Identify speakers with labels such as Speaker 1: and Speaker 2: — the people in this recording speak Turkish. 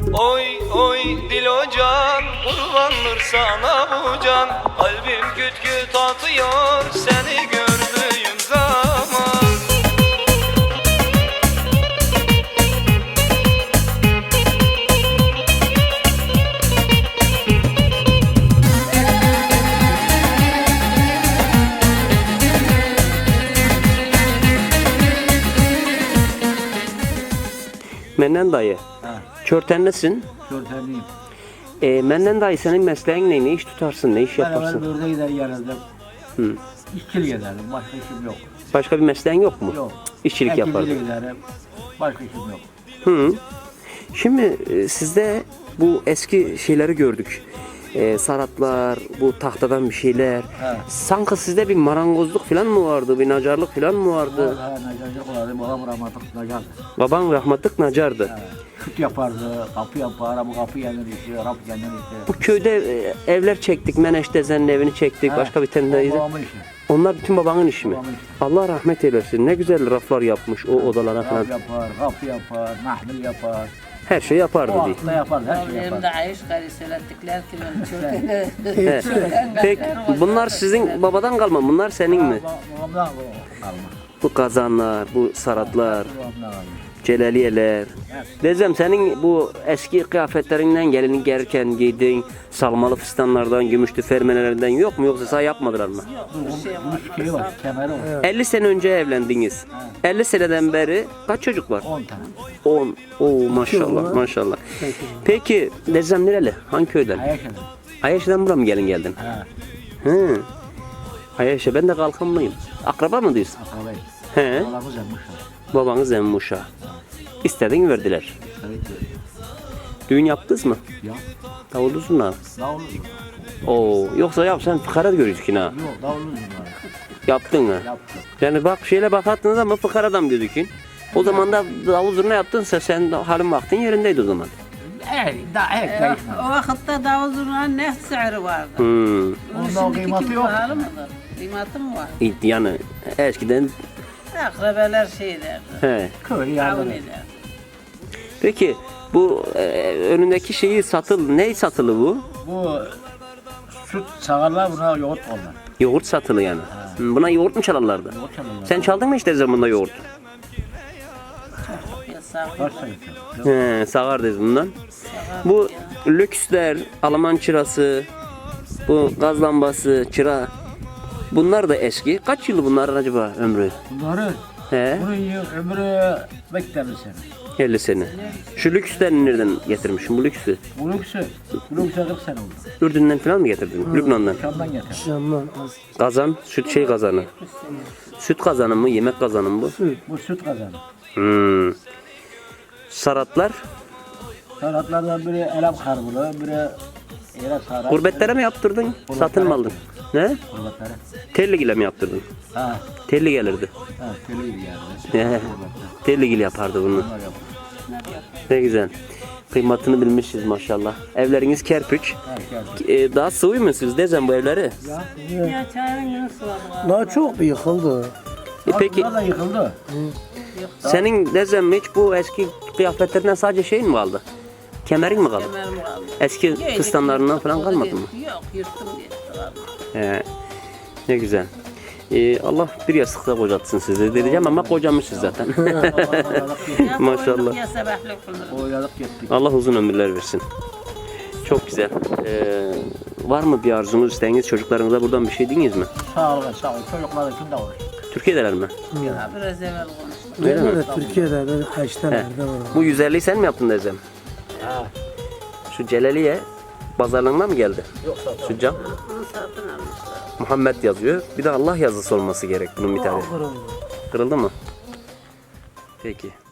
Speaker 1: Oy oy dil hocan, kurbandır sana bu can. Kalbim küt küt atıyor seni gördüğüm zaman.
Speaker 2: Menden dayı,
Speaker 3: Ha,
Speaker 2: körtenlisin.
Speaker 3: körtenliyim.
Speaker 2: Menden dayı senin mesleğin ne? Ne iş tutarsın, ne iş
Speaker 3: Ben evvel
Speaker 2: yaparsın?
Speaker 3: börde gider gelirdim.
Speaker 2: Hı.
Speaker 3: İşçilik ederdim. Başka işim yok.
Speaker 2: Başka bir mesleğin yok mu?
Speaker 3: Yok.
Speaker 2: İşçilik
Speaker 3: Ekicilik
Speaker 2: yapardın.
Speaker 3: giderim. Başka işim yok.
Speaker 2: Hı. Şimdi sizde bu eski şeyleri gördük. Saratlar, bu tahtadan bir şeyler.
Speaker 3: He.
Speaker 2: Sanki sizde bir marangozluk falan mı vardı, bir nacarlık falan mı vardı?
Speaker 3: Ha, nacarcık olardı. Babam rahmetlik nacardı.
Speaker 2: Baban rahmetlik nacardı.
Speaker 3: Ha, Süt yapardı. Kapı yapar. Bu kapı kendini işi. Rap kendini işi.
Speaker 2: Bu köyde evler çektik, Meneş Dezen'in evini çektik,
Speaker 3: Ha,
Speaker 2: başka bir tane de.
Speaker 3: Babamın işi.
Speaker 2: Onlar bütün babanın işi mi?
Speaker 3: Babamın işi.
Speaker 2: Allah rahmet eylesin. Ne güzel raflar yapmış o odalara falan.
Speaker 3: Rap yapar. Kapı yapar. Mahmil yapar.
Speaker 2: Her şey yapardı
Speaker 3: O
Speaker 2: diye.
Speaker 3: akla yapar. Her şey
Speaker 4: Evimde
Speaker 3: yapar.
Speaker 4: ayış gari söylettikler ki ben çöktüğünü.
Speaker 2: He. Peki bunlar sizin babadan kalma, bunlar senin mi?
Speaker 3: Babamdan kalma.
Speaker 2: Bu kazanlar, bu saratlar,
Speaker 3: Babamdan kalma.
Speaker 2: celaliyeler. Dezem senin bu eski kıyafetlerinden gelini gelirken giydiğin salmalı fistanlardan, gümüşlü fermelerden yok mu, yoksa sana yapmadılar mı?
Speaker 3: Bu şey var. Kemeri var.
Speaker 2: 50 sene önce evlendiniz. 50 seneden beri kaç çocuk var?
Speaker 3: 10 tane.
Speaker 2: 10. Oo maşallah maşallah. Peki Dezem nereli? Hangi köyden?
Speaker 3: Ayak edin.
Speaker 2: Ayaş'tan buraya mı gelin geldin?
Speaker 3: Ha.
Speaker 2: Hı. Ayaş'a ben de kalkanlıyım. Akraba mı diyorsun?
Speaker 3: Akrabayız.
Speaker 2: He.
Speaker 3: Babamız yapmışlar.
Speaker 2: Babanız Emmuş'a. İstedin verdiler.
Speaker 3: Evet.
Speaker 2: Düğün yaptınız mı?
Speaker 3: Ya.
Speaker 2: Davullu zurna.
Speaker 3: Davullu.
Speaker 2: Oo, yoksa yapsan fıkara gözükün ha.
Speaker 3: Yok davullu var.
Speaker 2: Yaptın mı?
Speaker 3: Yaptık.
Speaker 2: Yani bak şöyle bakarsınız ama fıkara adam gözükün. O zaman da davul zurna yaptınsa sen halin vaktin yerindeydi o zaman.
Speaker 3: Daha değişmedi.
Speaker 4: O vakitte davul zurnanın ne sihri vardı?
Speaker 2: Hmm.
Speaker 3: Onda o kıymeti yok.
Speaker 4: Pahalı mıdır? Kıymeti mi var?
Speaker 2: Yani eskiden
Speaker 4: Akrabeler şey derdi.
Speaker 2: he.
Speaker 3: Köy yardım
Speaker 4: Davul
Speaker 3: eder.
Speaker 4: eder.
Speaker 2: Peki bu önündeki şeyi ne satılı bu?
Speaker 3: Bu süt sağarlar buna yoğurt koyarlar.
Speaker 2: Yoğurt satılı yani. Buna yoğurt mu çalarlardı?
Speaker 3: Yoğurt çalarlar.
Speaker 2: Sen çaldın mı işte zamanında yoğurt?
Speaker 4: Yasak.
Speaker 3: Kaç sayı?
Speaker 2: He, sağardayız bundan. Bu lüksler, Alman çırası, bu gaz lambası, çıra. Bunlar da eski. Kaç yılı bunlar acaba ömrü?
Speaker 3: Bunları,
Speaker 2: He,
Speaker 3: bunun ömrü beklerli sene.
Speaker 2: 50 sene. Şu lüksler nereden getirmişsin bu lüksü?
Speaker 3: Bu lüksü 40 sene oldu.
Speaker 2: Ürdün'den falan mı getirdin? Lübnan'dan.
Speaker 3: Şam'dan getir.
Speaker 2: Kazan, süt kazanı. Süt kazanı mı, yemek kazanı mı bu?
Speaker 3: Bu süt kazanı.
Speaker 2: Hmm. Saratlar,
Speaker 3: Salatlardan biri elem karbulu, biri yere sarat.
Speaker 2: gurbetlere mi yaptırdın? Satın mı aldın? Ne?
Speaker 3: Kurbetlere.
Speaker 2: Telligile mi yaptırdın?
Speaker 3: Ha,
Speaker 2: Telli gelirdi.
Speaker 3: ha, köylü gibi yani.
Speaker 2: He. Telligil yapardı bunu.
Speaker 3: Bunlar yapıyor.
Speaker 2: Ne güzel. Kıymatını bilmişiz maşallah. Evleriniz kerpiç.
Speaker 3: Ha, geldi.
Speaker 2: Daha sıvı mısınız Dezen bu evleri?
Speaker 4: Ya çayın nasıl var?
Speaker 5: Daha çok yıkıldı.
Speaker 2: Peki
Speaker 3: Bunlar da yıkıldı.
Speaker 2: senin Dezen hiç bu eski kıyafetlerinden sadece şeyin mi kaldı? Kemerin mi kaldı?
Speaker 4: Kemerim kaldı.
Speaker 2: Eski kıstanlarından falan
Speaker 4: Yırttım,
Speaker 2: kalmadı mı?
Speaker 4: Yok yırttım diye.
Speaker 2: He. Ne güzel. Allah bir yastıkta kocatsın sizi diyeceğim ama kocamışsınız zaten. Maşallah.
Speaker 4: Ya sabahlık kılırım.
Speaker 3: Oyladık gittik.
Speaker 2: Allah uzun ömürler versin. Çok güzel. Var mı bir arzunuz, isteğiniz çocuklarınıza buradan bir şey diyiniz mi?
Speaker 3: Sağ olun, sağ olun. Çocuklar için de olur.
Speaker 2: Türkiye'deler mi?
Speaker 4: Ya biraz evvel konuştum.
Speaker 2: Öyle mi?
Speaker 5: Evet, Türkiye'de böyle haçtalarda var.
Speaker 2: Bu 150'yi sen mi yaptın Dezem?
Speaker 3: Ha.
Speaker 2: Şu Celaliye pazarlığına mı geldi?
Speaker 3: Yok sağ ol.
Speaker 2: Şu cam.
Speaker 4: Bunu satın almışlar.
Speaker 2: Muhammed yazıyor. Bir de Allah yazısı olması gerek bunun bir tane. Kırıldı mı? Peki.